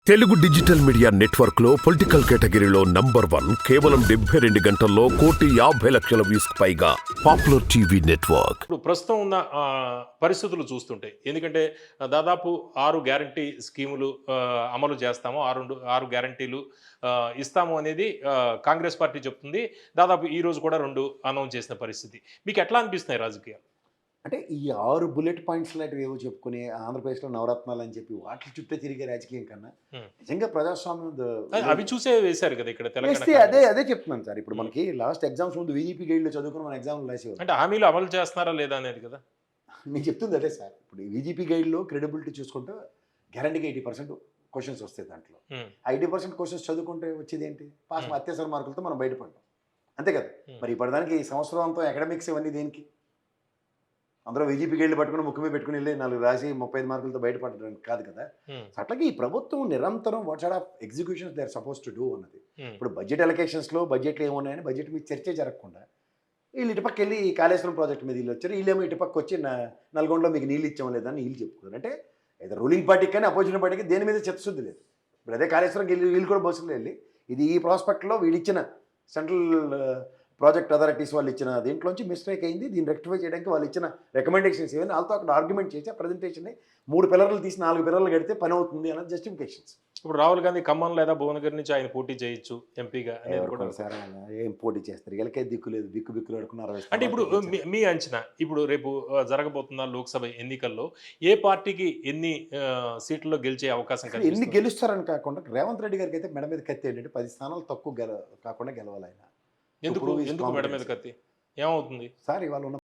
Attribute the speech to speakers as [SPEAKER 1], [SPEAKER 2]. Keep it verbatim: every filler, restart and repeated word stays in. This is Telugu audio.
[SPEAKER 1] తెలుగు డిజిటల్ మీడియా నెట్వర్క్ లో పొలిటికల్ కేటగిరీలో నంబర్ వన్ కేవలం డెబ్బై రెండు గంటల్లో కోటి యాభై లక్షల వ్యూస్ పైగా పాపులర్ టీవీ నెట్వర్క్.
[SPEAKER 2] ఇప్పుడు ప్రస్తుతం ఉన్న ఆ, పరిస్థితులు చూస్తుంటే ఎందుకంటే ఆ, దాదాపు ఆరు గ్యారంటీ స్కీములు ఆ, అమలు చేస్తాము ఆరు ఆరు గ్యారంటీలు ఆ, ఇస్తాము అనేది ఆ, కాంగ్రెస్ పార్టీ చెప్తుంది. దాదాపు ఈ రోజు కూడా రెండు అనౌన్స్ చేసిన పరిస్థితి. మీకు ఎట్లా అనిపిస్తున్నాయి రాజకీయాలు?
[SPEAKER 3] అంటే ఈ ఆరు బుల్లెట్ పాయింట్స్ లాంటివి ఏవో చెప్పుకొని ఆంధ్రప్రదేశ్‌లో నవరత్నాలు అని చెప్పి వాటి చుట్టే తిరిగే రాజకీయం కన్నా
[SPEAKER 2] హ్మ్.
[SPEAKER 3] నిజంగా ప్రజాస్వామ్యం ద
[SPEAKER 2] అ- అవి చూసే వేశారు కదా ఇక్కడ తెలంగాణ
[SPEAKER 3] వేస్తే అదే
[SPEAKER 2] కాంగ్రెస్.
[SPEAKER 3] అదే చెప్తున్నాను సార్. ఇప్పుడు మనకి లాస్ట్ ఎగ్జామ్స్ ముందు వీజీపీ గైడ్‌లో చదువుకుని మన ఎగ్జామ్‌లు రాసేవారు.
[SPEAKER 2] అంటే హామీలు అమలు చేస్తున్నారా లేదా అనేది కదా.
[SPEAKER 3] నేను చెప్తుంది అదే సార్. ఇప్పుడు వీజీపీ గైడ్‌లో క్రెడిబిలిటీ చూసుకుంటే గ్యారంటీగా ఎనభై పర్సెంట్ క్వెషన్స్ వస్తాయి దాంట్లో.
[SPEAKER 2] హ్మ్.
[SPEAKER 3] ఆ ఎనభై పర్సెంట్ క్వెషన్స్ చదువుకుంటే వచ్చేది ఏంటి? Pass
[SPEAKER 2] Hmm.
[SPEAKER 3] అత్యవసర మార్కులతో మనం బయటపడ్డాం. అంతే కదా!
[SPEAKER 2] Hmm.
[SPEAKER 3] మరి ఇప్పటిదానికి ఈ సంవత్సరం అంతా అకాడమిక్స్ ఇవన్నీ దేనికి? అందరూ వీజీపీ గైడ్‌లు పట్టుకొని ముక్కు మీద పెట్టుకొని వెళ్ళి నాలుగు రాసి ముప్పై ఐదు మార్కులతో బయటపడడానికి కాదు కదా!
[SPEAKER 2] హ్మ్.
[SPEAKER 3] అట్లాగే ఈ ప్రభుత్వం నిరంతరం what sort of executions they are suppose to do అన్నది.
[SPEAKER 2] హ్మ్.
[SPEAKER 3] ఇప్పుడు బడ్జెట్ అలొకేషన్స్‌లో బడ్జెట్లు ఏమున్నాయని బడ్జెట్ మీద చర్చే జరగకుండా వీళ్ళు ఇటుపక్క వెళ్ళి ఈ కాళేశ్వరం ప్రాజెక్ట్ మీద వీళ్ళు వచ్చారు. వీళ్ళేమో ఇటుపక్క వచ్చి నా నల్గొండలో మీకు నీళ్ళు ఇచ్చామో లేదా అని వీళ్ళు చెప్పుకున్నారు. అంటే ఏదో రూలింగ్ పార్టీకి కానీ అపోజిషన్ పార్టీకి దేని మీద చిత్తశుద్ధి లేదు. ఇప్పుడు అదే కాళేశ్వరంకి వెళ్ళి వీళ్ళు కూడా బస్సులో వెళ్ళి ఇది ఈ ప్రాస్పెక్ట్లో వీళ్ళు ఇచ్చిన సెంట్రల్ ప్రాజెక్ట్ అథారిటీస్ వాళ్ళు ఇచ్చిన దీంట్లోంచి మిస్టేక్ అయింది, దీన్ని రెక్టిఫై చేయడానికి వాళ్ళు ఇచ్చిన రికమెండేషన్స్ ఏమైనా వాళ్ళతో అక్కడ ఆర్గ్యుమెంట్ చేసి ఆ ప్రజెంటేషన్ని మూడు పిల్లర్లు తీసి నాలుగు పిల్లర్లు కడితే పని అవుతుంది అన్నది జస్టిఫికేషన్స్.
[SPEAKER 2] ఇప్పుడు రాహుల్ గాంధీ ఖమ్మం లేదా భువనగిరి నుంచి ఆయన పోటీ చేయొచ్చు ఎంపీగా అనేది కూడా.
[SPEAKER 3] సార్ ఏం పోటీ చేస్తారు? వీళ్ళకే దిక్కు లేదు, బిక్కు బిక్కులు అడుకున్నారు.
[SPEAKER 2] అంటే ఇప్పుడు మీ- మీ అంచనా ఇప్పుడు రేపు ఆ, జరగబోతున్న లోక్సభ ఎన్నికల్లో ఏ పార్టీకి ఎన్ని ఆ, సీట్లలో గెలిచే అవకాశం
[SPEAKER 3] ఎన్ని
[SPEAKER 2] కనిపిస్తుంది?
[SPEAKER 3] గెలుస్తారని కాకుండా రేవంత్ రెడ్డి గారికి అయితే మెడ మీద కత్తి ఏంటంటే పది స్థానాలు తక్కువ గెల కాకుండా గెలవాలి ఆయన.
[SPEAKER 2] ఎందుకు
[SPEAKER 3] ఇప్పుడు ఈ
[SPEAKER 2] ఎందుకు మెడ మీద
[SPEAKER 3] confidence.
[SPEAKER 2] కత్తి ఏమవుతుంది?
[SPEAKER 3] సార్ ఇవాళ ఉన్న